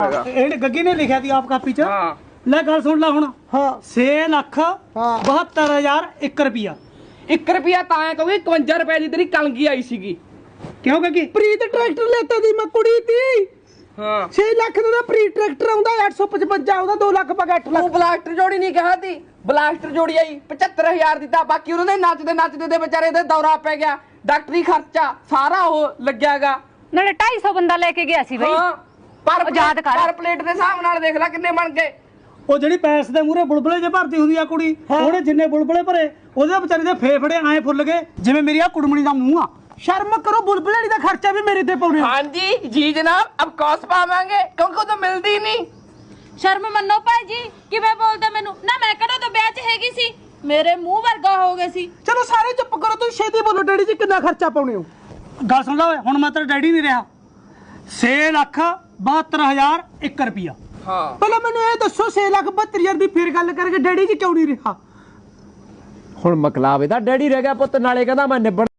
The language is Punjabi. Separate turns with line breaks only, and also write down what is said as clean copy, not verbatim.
ਇਹ ਗੱਗੀ ਨੇ ਲਿਖਿਆ ਸੀ ਆਪ ਕਾਪੀ ਚ।
ਹਾਂ
ਲੈ ਗੱਲ ਸੁਣ ਲੈ ਹੁਣ।
ਹਾਂ
6,72,001 ਰੁਪਿਆ।
1 ਰੁਪਿਆ ਤਾਂ ਐ ਕਹੂਗੀ 51 ਰੁਪਏ ਦੀ ਤੇਰੀ ਕਲਗੀ ਆਈ ਸੀਗੀ।
ਕਿਉਂ ਗੱਗੀ?
ਪ੍ਰੀਤ ਟਰੈਕਟਰ ਲੈਤਾ ਦੀ ਮੈਂ ਕੁੜੀ ਤੀ।
ਹਾਂ
6 ਲੱਖ ਦਾ ਪ੍ਰੀ ਟਰੈਕਟਰ ਆਉਂਦਾ 855 ਆਉਂਦਾ 2 ਲੱਖ ਪਾ 8 ਲੱਖ।
ਤੂੰ ਬਲਾਸਟਰ ਜੋੜੀ ਨਹੀਂ ਕਿਹਾ ਤੀ, ਬਲਾਸਟਰ ਜੋੜੀ ਆਈ 75000 ਦਿੱਤਾ। ਬਾਕੀ ਉਹਨਾਂ ਦੇ ਨੱਚਦੇ ਦੇ ਵਿਚਾਰੇ ਦੇ ਦੌਰਾ ਪੈ ਗਿਆ, ਡਾਕਟਰੀ ਖਰਚਾ ਸਾਰਾ ਉਹ ਲੱਗਿਆਗਾ।
ਨਾਲੇ 250 ਬੰਦਾ ਲੈ ਕੇ ਗਿਆ ਸੀ ਬਈ।
ਹਾਂ ਪਰ
ਯਾਦ ਕਰ।
ਪਰ ਪਲੇਟ ਦੇ ਹਿਸਾਬ ਨਾਲ ਦੇਖ ਲੈ ਕਿੰਨੇ ਬਣ ਗਏ।
ਉਹ ਜਿਹੜੀ ਪੈਸ ਦੇ ਮੂਹਰੇ ਬੁਲਬੁਲੇ ਜੇ ਭਰਦੀ ਹੁੰਦੀ ਆ ਕੁੜੀ, ਉਹਨੇ ਜਿੰਨੇ ਬੁਲਬੁਲੇ ਭਰੇ ਉਹਦੇ ਵਿਚਾਰੇ ਦੇ ਫੇਫੜੇ ਐ ਫੁੱਲ ਗਏ ਜਿਵੇਂ ਮੇਰੀ ਆ ਕੁੜਮਣੀ ਦਾ ਮੂੰਹ ਆ।
ਸ਼ਰਮ ਕਰੋ, ਬੁਲਬੁਲੜੀ ਦਾ ਖਰਚਾ ਵੀ ਮੇਰੇ ਤੇ ਪਾਉਣੇ।
ਹਾਂਜੀ ਜੀ ਜਨਾਬ, ਅਬ ਕੌਸ ਪਾਵਾਂਗੇ ਕਿਉਂਕਿ ਉਹ ਤਾਂ ਮਿਲਦੀ ਨਹੀਂ।
ਸ਼ਰਮ ਮੰਨੋ ਭਾਈ ਜੀ, ਕਿਵੇਂ ਬੋਲਦਾ ਮੈਨੂੰ ਨਾ? ਮੈਂ ਕਿਹੜਾ ਤਾਂ ਵਿਆਹ 'ਚ ਹੈਗੀ ਸੀ, ਮੇਰੇ ਮੂੰਹ ਵਰਗਾ ਹੋ ਗਏ ਸੀ।
ਚਲੋ ਸਾਰੇ ਚੁੱਪ ਕਰੋ, ਤੁਸੀਂ ਛੇਤੀ ਬੋਲੋ। ਡੈਡੀ ਜੀ ਕਿੰਨਾ ਖਰਚਾ ਪਾਉਣੇ ਹੋ?
ਗੱਲ ਸੁਣ ਲੈ ਓਏ, ਹੁਣ ਮੈਂ ਤੇਰਾ ਡੈਡੀ ਨਹੀਂ ਰਿਹਾ। 6,72,001 ਰੁਪਿਆ।
ਹਾਂ
ਪਹਿਲਾਂ ਮੈਨੂੰ ਇਹ ਦੱਸੋ 6,72,000 ਦੀ ਫਿਰ ਗੱਲ ਕਰਕੇ ਡੈਡੀ ਜੀ ਕਿਉਂ ਨਹੀਂ ਰਿਹਾ?
ਹੁਣ ਮਕਲਾਵੇ ਦਾ ਡੈਡੀ ਰਹਿ ਗਿਆ ਪੁੱਤ, ਨਾਲੇ ਕਹਿੰਦਾ ਮੈਂ ਨਿਬੜ